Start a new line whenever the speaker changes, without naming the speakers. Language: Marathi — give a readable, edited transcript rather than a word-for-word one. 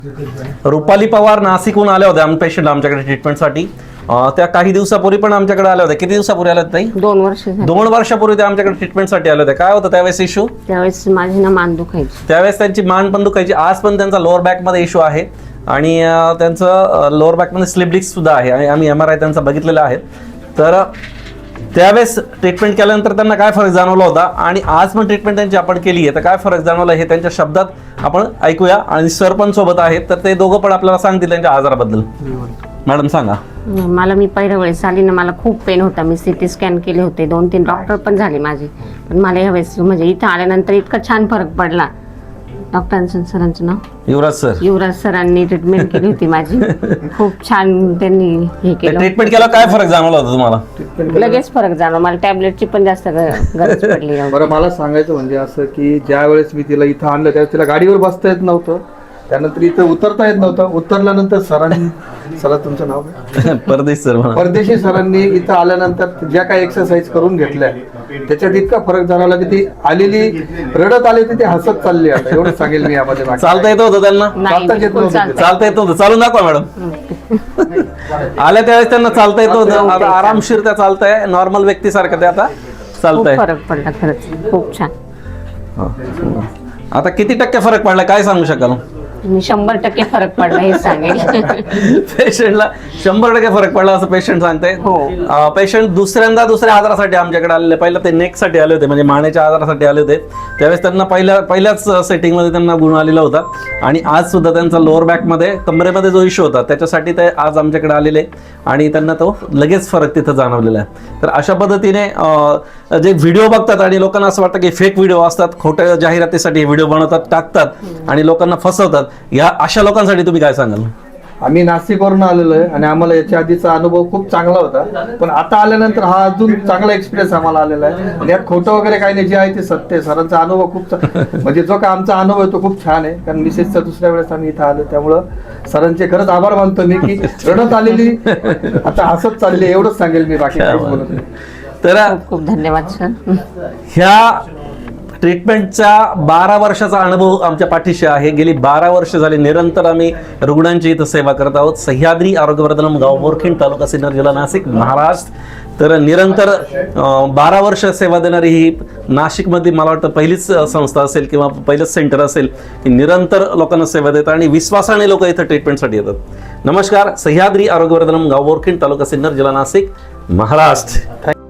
रुपाली पवार नाशिकहून आल्या होत्या पेशंट आमच्याकडे ट्रीटमेंटसाठी. त्या काही दिवसापूर्वी पण आमच्याकडे आल्या होत्या. किती दिवसापूर्वी आल्या ताई?
2 वर्ष झाली.
2 वर्षापूर्वी त्या आमच्याकडे ट्रीटमेंटसाठी आल्या होत्या. काय होतं त्यावेळेस इश्यू?
त्यावेळेस माझी ना मान दुखायची.
त्यावेळेस त्यांची मान पण दुखायची. आज पण त्यांचा लोअर बॅक मध्ये इश्यू आहे आणि त्यांचं लोअर बॅक मध्ये स्लिप डिस्क सुद्धा आहे आणि आम्ही MRI त्यांचा बघितलेला आहे. तर त्यावेळेस ट्रीटमेंट केल्यानंतर त्यांना काय फरक जाणवला होता आणि आज पण ट्रीटमेंट त्यांची आपण केली आहे तर काय फरक जाणवला हे त्यांच्या शब्दात आपण ऐकूया. आणि सर पण सोबत आहेत तर ते दोघं पण आपल्याला सांगतील त्यांच्या आजाराबद्दल. मॅडम सांगा.
मला मी पहिल्या वेळेस आली ना, मला खूप पेन होता. मी CT स्कॅन केले होते, 2-3 डॉक्टर पण झाले माझे. पण मला यावेळेस म्हणजे इथं आल्यानंतर इतका छान फरक पडला. डॉक्टरांचं सरांचं नाव युवराज सरांनी ट्रीटमेंट केली होती माझी. खूप छान त्यांनी हे केलं.
ट्रीटमेंट केला काय फरक जाणवला होता तुम्हाला?
लगेच फरक जाणवला. मला टॅबलेटची पण जास्त गरज पडली नव्हती.
बरं, मला सांगायचं म्हणजे असं की ज्या वेळेस मी तिला इथं आणलं त्यावेळेस तिला गाडीवर बसता येत नव्हतं, त्यानंतर इथं उतरता येत नव्हतं. उतरल्यानंतर सर तुमचं नाव काय? परदेशी सरांनी इथं आल्यानंतर ज्या काही एक्सरसाइज करून घेतल्या त्याच्यात इतका फरक जाणवला की ती आलेली रडत आली ती हसत चालली. आता एवढं सांगेल मी यामध्ये.
चालता येत होतं त्यांना? चालता येत होतं. चालून दाखवा मॅडम. आल्या त्यावेळेस त्यांना चालता येत होतं. आता आरामशीर त्या चालताय, नॉर्मल व्यक्तीसारखं ते आता चालताय.
फरक पडला खरंच, खूप छान.
आता किती टक्के फरक पडला काय सांगू शकाल?
मी 100% फरक पडला हे सांगेल.
पेशंटला 100% फरक पडला असं पेशंट सांगते. पेशंट दुसऱ्या आजारासाठी आमच्याकडे आलेले. पहिला ते नेक साठी आले होते, म्हणजे मानेच्या आजारासाठी आले होते. त्यावेळेस त्यांना पहिल्याच सेटिंग मध्ये त्यांना गुण आलेला होता आणि आज सुद्धा त्यांचा लोअर बॅक मध्ये कमरेमध्ये जो इश्यू होता त्याच्यासाठी ते आज आमच्याकडे आलेले आणि त्यांना तो लगेच फरक तिथं जाणवलेला आहे. तर अशा पद्धतीने जे व्हिडिओ बघतात आणि लोकांना असं वाटतं की फेक व्हिडिओ असतात, खोट्या जाहिरातीसाठी व्हिडिओ बनवतात, टाकतात आणि लोकांना फसवतात, या अशा लोकांसाठी तुम्ही काय सांगाल?
आम्ही नाशिकवरून आलेलो आहे आणि आम्हाला याच्या आधीचा अनुभव खूप चांगला होता, पण आता आल्यानंतर हा अजून चांगला एक्सपिरियन्स आम्हाला आलेला आहे. आणि यात खोटं वगैरे काही नाही, जे आहे ते सत्य आहे. सरांचा अनुभव खूप म्हणजे जो काय आमचा अनुभव आहे तो खूप छान आहे. कारण मिसेसचा दुसऱ्या वेळेस आम्ही इथं आलो, त्यामुळं सरांचे खरंच आभार मानतो मी की रडत आलेली आता हसत चालली. एवढंच सांगेल मी, बाकी काहीच बोलत नाही.
तर
खूप खूप धन्यवाद सर.
ह्या ट्रीटमेंटचा 12 वर्षाचा अनुभव आमच्या पाठीशी आहे. गेली 12 वर्ष झाली निरंतर आम्ही रुग्णांची इथं सेवा करत आहोत. सह्याद्री आरोग्यवर्धनम, गाव बोरखिंड, तालुका सिन्नर, जिल्हा नाशिक, महाराष्ट्र. तर निरंतर 12 वर्ष सेवा देणारी ही नाशिकमध्ये मला वाटतं पहिलीच संस्था असेल किंवा पहिलंच सेंटर असेल की निरंतर लोकांना सेवा देतात आणि विश्वासाने लोक इथं ट्रीटमेंटसाठी येतात. नमस्कार. सह्याद्री आरोग्यवर्धनम, गाव बोरखिंड, तालुका सिन्नर, जिल्हा नाशिक, महाराष्ट्र.